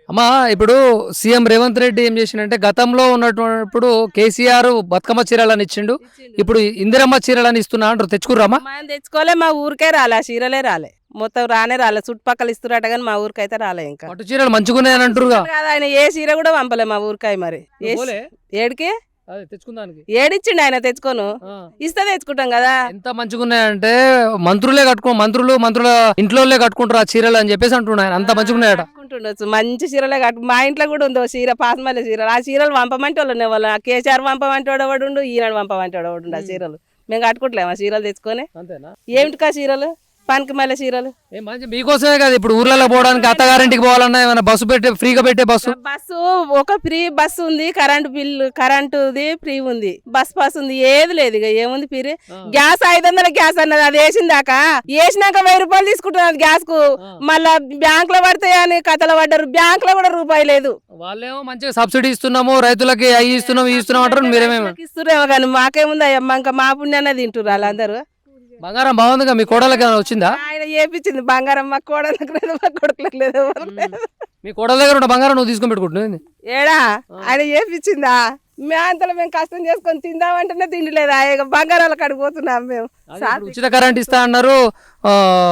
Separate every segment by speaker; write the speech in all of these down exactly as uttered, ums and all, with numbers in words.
Speaker 1: అమ్మా ఇప్పుడు సీఎం రేవంత్ రెడ్డి ఏం చేసిండంటే గతంలో ఉన్నప్పుడు కేసీఆర్ బతుకమ్మ చీరలని ఇచ్చిండు.
Speaker 2: ఇచ్చిండు.
Speaker 1: ఇప్పుడు ఇందిరమ్మ చీరలని ఇస్తున్నా అంటారు. తెచ్చుకుర్రామా?
Speaker 2: మనం తెచ్చుకోలే, మా ఊరికే రాలే, ఆ చీరలే రాలే, మొత్తం రానే రాలే. చుట్టుపక్కల ఇస్తురట కానీ మా ఊరికైతే రాలే. ఇంకా
Speaker 1: పట్టు చీరలు మంచిగున్నాయని అంటారుగా.
Speaker 2: కాదు, ఆయన ఏ చీర కూడా పంపలే మా ఊరికాయ. మరి ఏ
Speaker 1: నువ్వు పోలే?
Speaker 2: ఏడికి
Speaker 1: అదే తెచ్చుకుందానికి.
Speaker 2: ఏడిచ్చిండు ఆయన, తెచ్చుకోను
Speaker 1: ఆ.
Speaker 2: ఇస్తే తెచ్చుకుంటాం కదా.
Speaker 1: ఎంత మంచిగున్నాయంటే మంత్రులే కట్టుకో మంత్రులు మంత్రుల ఇంట్లోనే కట్టుకుంటారు ఆ చీరలు అని చెప్పేసి అంటున్నాయి. అంత మంచిగున్నాయట.
Speaker 2: కట్టుకుంటుండొచ్చు, మంచి చీరలే కట్టు. మా ఇంట్లో కూడా ఉందో చీర, పాసమల్లె చీరలు. ఆ చీరలు పంపమంటే వాళ్ళనే వాళ్ళ కేసీఆర్ పంపమంటే వాడు, ఈనాడు పంపమంటే వాడు ఆ చీరలు. మేము కట్టుకుంటలేము ఆ చీరలు తెచ్చుకొని.
Speaker 1: అంతేనా?
Speaker 2: ఏమిటికా చీరలు, పనికి మళ్ళీ చీరలు.
Speaker 1: ఏ మంచి మీకోసమే కదా ఇప్పుడు ఊర్లలో పోవడానికి, అత్తగారింటికి పోవాలన్నా ఏమైనా బస్సు పెట్టే ఫ్రీగా పెట్టే బస్సు.
Speaker 2: బస్సు ఒక ఫ్రీ బస్సు ఉంది, కరెంటు బిల్లు కరెంటుది ఫ్రీ ఉంది, బస్ పాస్ ఉంది, ఏది లేదు. ఇక ఏముంది ఫ్రీ. గ్యాస్ ఐదు వందల గ్యాస్ అన్నది, అది వేసిందాక వేసినాక వెయ్యి రూపాయలు తీసుకుంటున్నది గ్యాస్ కు. మళ్ళా బ్యాంక్ లో పడతాయి అని కథలు పడ్డారు, బ్యాంక్ లో కూడా రూపాయి లేదు.
Speaker 1: వాళ్ళేమో మంచిగా సబ్సిడీ ఇస్తున్నాము, రైతులకి అవి ఇస్తున్నాము ఇవి ఇస్తున్నాం అంటారు. మీరేమేమో
Speaker 2: ఇస్తురేమో కానీ మాకేముంది అయ్యమ్మ, ఇంకా మా పుణ్యాన్ని తింటున్నారు వాళ్ళందరూ.
Speaker 1: బంగారం బాగుందిగా. మీ కోడలకి ఏమైనా వచ్చిందా?
Speaker 2: ఆయన ఏపించింది బంగారం, మా కోడలకు లేదు, మా కొడుకులకు లేదు, ఎవరు లేదు.
Speaker 1: మీ కోడల దగ్గర ఉన్న బంగారం నువ్వు తీసుకొని పెట్టుకుంటున్నావు.
Speaker 2: ఏడా ఆయన ఏపించిందా? మే అంతలో మేము కష్టం చేసుకొని తిందామంటేనే తిండిలేదా, ఇక బంగారాలకు అడిగిపోతున్నాం మేము.
Speaker 1: ఉచిత కరెంట్ ఇస్తా అన్నారు. ఆ,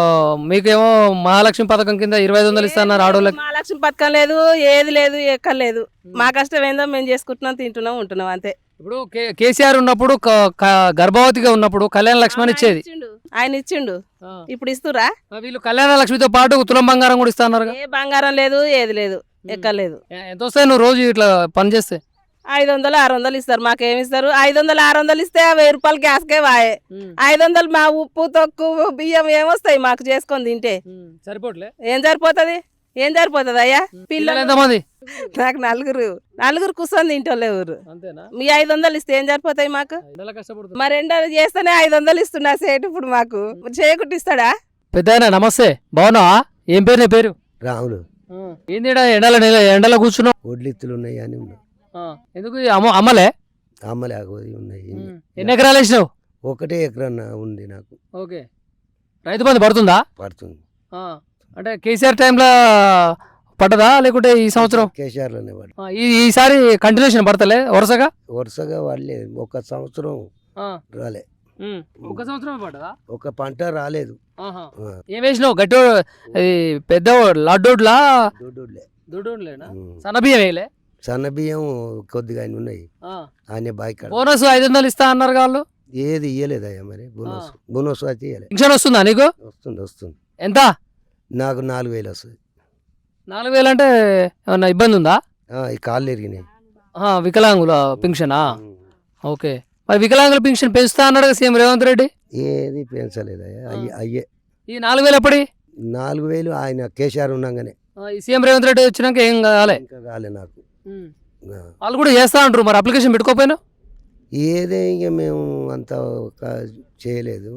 Speaker 1: మీకేమో మహాలక్ష్మి పథకం కింద ఇరవై ఐదు వందలు ఇస్తా అన్నారు ఆడోళ్ళకి.
Speaker 2: మహాలక్ష్మి పథకం లేదు, ఏది లేదు, ఎక్కలేదు. మా కష్టం ఏందో మేము చేసుకుంటున్నాం, తింటున్నాం, ఉంటున్నాం అంతే.
Speaker 1: ఇప్పుడు కేసీఆర్ ఉన్నప్పుడు క- క- గర్భవతిగా ఉన్నప్పుడు కళ్యాణ లక్ష్మి అని ఇచ్చేది.
Speaker 2: ఆయన ఇచ్చిండు, ఇప్పుడు ఇస్తురా?
Speaker 1: వీళ్ళు కళ్యాణ లక్ష్మితో పాటు తులం బంగారం కూడా ఇస్తా అన్నారు.
Speaker 2: ఏ బంగారం లేదు, ఏది లేదు, ఎక్కలేదు.
Speaker 1: ఎంత వస్తాయి నువ్వు రోజు ఇట్లా పని చేస్తే?
Speaker 2: ఐదు వందలు ఆరు వందలు ఇస్తారు. మాకేమి ఇస్తారు? ఐదు వందలు ఆరు వందలు ఇస్తే ఆ వెయ్యి రూపాయలు గ్యాస్కే వాయే. ఐదు వందలు మా ఉప్పు తొక్కు బియ్యం ఏమొస్తాయి మాకు చేసుకొని తింటే?
Speaker 1: సరిపోట్లే.
Speaker 2: ఏం సరిపోతుంది, ఏం సరిపోతుంది అయ్యా? పిల్లలు
Speaker 1: ఎంతమంది?
Speaker 2: నాకు నలుగురు, నలుగురు కూర్చొని తింటోళ్ళే ఊరు. మీ ఐదు వందలు ఇస్తే ఏం సరిపోతాయి మాకు? మరి ఎండలు చేస్తేనే ఐదు వందలు ఇస్తున్నా సేటు, ఇప్పుడు మాకు చేయకుంటే ఇస్తాడా?
Speaker 1: పెద్ద నమస్తే, బాగున్నావా? ఏం పేరు నీ పేరు?
Speaker 3: రాములు.
Speaker 1: ఏంది ఎండల ఎండలో కూర్చున్నావు?
Speaker 3: ఒడ్లిత్తులు ఉన్నాయి అని ఉన్నాయి.
Speaker 1: ఎందుకు అమ్మ అమ్మలే
Speaker 3: అమ్మలే ఉన్నాయి.
Speaker 1: ఎన్ని ఎకరాలు వేసినావు?
Speaker 3: ఒకటే ఎకరన్న ఉంది నాకు.
Speaker 1: ఓకే. రైతు బంధు పడుతుందా?
Speaker 3: పడుతుంది.
Speaker 1: అంటే కేసీఆర్ టైంలో పడ్డదా లేకుంటే ఈ సంవత్సరం?
Speaker 3: కేసీఆర్ లోనే పడు.
Speaker 1: ఈసారి కంటిన్యూషన్ పడతలే వరుసగా?
Speaker 3: వరుసగా వాళ్ళే ఒక సంవత్సరం రాలే.
Speaker 1: ఒక సంవత్సరం పడ్డదా?
Speaker 3: ఒక పంట రాలేదు.
Speaker 1: ఏం వేసినావు? గట్టి పెద్ద లడ్డోడ్లా?
Speaker 3: దొడ్డులే.
Speaker 1: దొడ్డోడ్లేనా? సన్నబియ్యం వేయలే?
Speaker 3: సన్న బియ్యం కొద్దిగా ఆయన ఉన్నాయి. ఆయన బాయ్
Speaker 1: బోనస్ ఐదు వందలు ఇస్తా అన్నారు వాళ్ళు.
Speaker 3: ఏది ఇయ్యలేదయ్యా మరి. బోనస్ బోనస్ అయితే ఇయ్యలే.
Speaker 1: పెన్షన్ వస్తుందా నీకు?
Speaker 3: వస్తుంది వస్తుంది.
Speaker 1: ఎంత?
Speaker 3: నాకు నాలుగు వేలు వస్తుంది.
Speaker 1: నాలుగు వేలు అంటే ఏమన్నా ఇబ్బంది ఉందా?
Speaker 3: ఈ కాళ్ళు ఎరిగినాయి.
Speaker 1: వికలాంగుల పెన్షనా? ఓకే. మరి వికలాంగుల పెన్షన్ పెంచుతా అన్నాడు సీఎం రేవంత్ రెడ్డి.
Speaker 3: ఏది పెంచలేదయ్యా. అయ్యే అయ్యే
Speaker 1: ఈ నాలుగు వేలు ఎప్పటి?
Speaker 3: నాలుగు వేలు ఆయన కేసీఆర్ ఉండగానే.
Speaker 1: సీఎం రేవంత్ రెడ్డి వచ్చినాక ఏం కాలే?
Speaker 3: ఇంకా కాలే నాకు.
Speaker 1: వాళ్ళు కూడా చేస్తా అంటారు. మరి అప్లికేషన్ పెట్టుకోపోయినా?
Speaker 3: ఏదే ఇక మేము అంత చేయలేదు,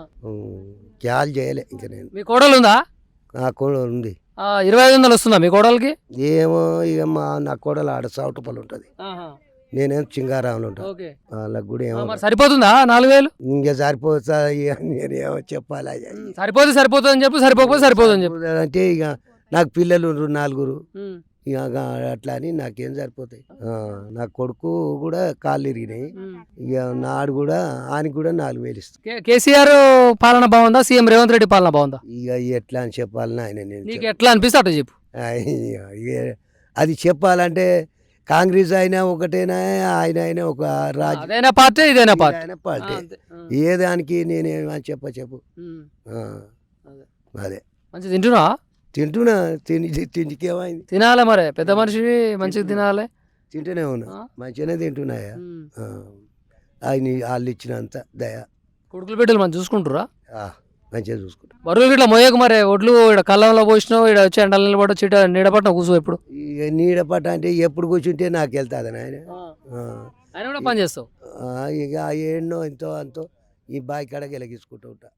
Speaker 3: క్యాల్ చేయలే. ఇంకా నేను.
Speaker 1: మీ కోడలు ఉందా?
Speaker 3: నా కోడలు ఉంది.
Speaker 1: ఇరవై ఐదు వందలు వస్తుందా మీ కోడలికి?
Speaker 3: ఏమో ఇక మా నా కోడలు ఆడ సౌటపల్లి ఉంటుంది, నేనేం చింగారాములు ఉంటాను. వాళ్ళకి కూడా ఏమో
Speaker 1: సరిపోతుందా నాలుగు వేలు?
Speaker 3: ఇంకా సరిపోతా నేనేమో చెప్పాలి.
Speaker 1: సరిపోతే సరిపోతుంది అని చెప్పి, సరిపోతే సరిపోతుంది అని చెప్పి
Speaker 3: అంటే ఇక నాకు పిల్లలు నలుగురు, ఇక అట్లా అని నాకేం సరిపోతాయి. నా కొడుకు కూడా కాళ్ళు ఇరిగినాయి. ఇక నాడు కూడా ఆయనకి కూడా నాలుగు వేలు ఇస్తాను.
Speaker 1: కేసీఆర్ పాలన బాగుందా, సీఎం రేవంత్ రెడ్డి పాలన బాగుందా?
Speaker 3: ఇక ఎట్లా అని చెప్పాలని ఆయన
Speaker 1: నీకు ఎట్లా అనిపిస్తే అట్లా చెప్పు.
Speaker 3: అది చెప్పాలంటే కాంగ్రెస్ అయినా ఒకటేనా, ఆయన అయినా ఒక రాజు,
Speaker 1: అదైనా పార్టీ ఇదైనా పార్టీ
Speaker 3: అయినా పార్టీ. ఏ దానికి నేనేమని చెప్ప చెప్పు. అదే
Speaker 1: మంచి తింటున్నా
Speaker 3: తింటున్నా. తిని తిండికేమైంది?
Speaker 1: తినాలి మరి, పెద్ద మనిషి మంచిగా తినాలి.
Speaker 3: తింటూనే ఉన్నా, మంచిగానే తింటున్నాయా. ఆయన వాళ్ళు ఇచ్చినంత దయ.
Speaker 1: కొడుకులు బిడ్డలు మంచి చూసుకుంటారా?
Speaker 3: మంచిగా చూసుకుంటా.
Speaker 1: బరువులు ఇట్లా మోయకు మరి. ఒడ్లు ఇక్కడ కళ్ళంలో పోసినావు, ఇక్కడ వచ్చి ఎండల నిలబడి చీట నీడపట్టిన కూర్చో. ఎప్పుడు
Speaker 3: ఇక నీడపట్ట అంటే ఎప్పుడు కూర్చుంటే నాకు వెళ్తుంది ఆయన.
Speaker 1: ఆయన కూడా పని చేస్తావు.
Speaker 3: ఇక ఎన్నో ఎంతో అంతో ఈ బావి కడకి వెలిగించుకుంటూ ఉంటా.